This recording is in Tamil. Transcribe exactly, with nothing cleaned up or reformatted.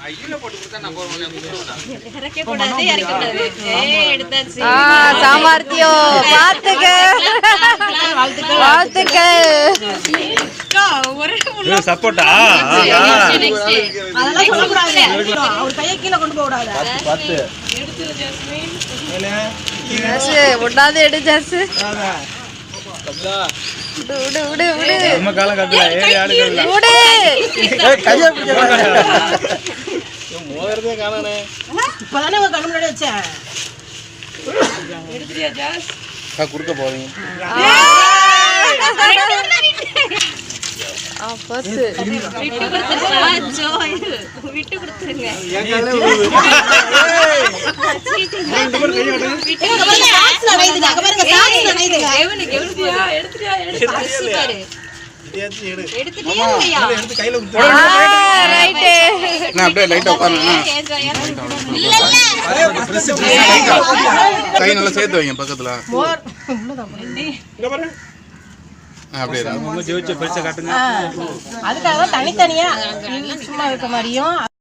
சாமர்த்தியம் பாத்துக்க சப்போட்டா ஒட்டாது எடு ஜாசு விடு விடு விடு நம்ம காலம் கட்டல ஏறி ஆடுகள்ல விடு ஏய் கைய பிடிச்சடா மோதறதே காணனே இப்பதானே உங்க கண்ணு முன்னாடி வச்சேன் எடுத்துறியா ஜாஸ் கா குறுக்க போறீங்க ஆ பஸ் விட்டு கொடுத்துறா ஜோய் விட்டு கொடுத்துங்க என் கால்ல விடு ரெண்டு பேர் கைய கட்டுங்க விட்டு பாருங்க சாக்ஸ்ல நைதுங்க அங்க பாருங்க சாக்ஸ்ல நைதுங்க எவனுக்கு எவனுக்கு எடுத்துறியா எடுத்து பஸ் பாரு எடுத்து எடு எடுத்துட்டியா எடுத்து கையில குத்து ரைட் நான் அப்படியே லைட்டா உட்காருங்க இல்ல இல்ல பிரஸ் கை நல்லா சேர்த்து வைங்க பக்கத்துல மோர் உள்ளதான் இங்க பாரு அப்படியே நம்ம ஜெயிச்ச பரிசை காட்டுங்க அதுக்காக தான் தனித்தனியா சும்மா இருக்க மாதிரியும்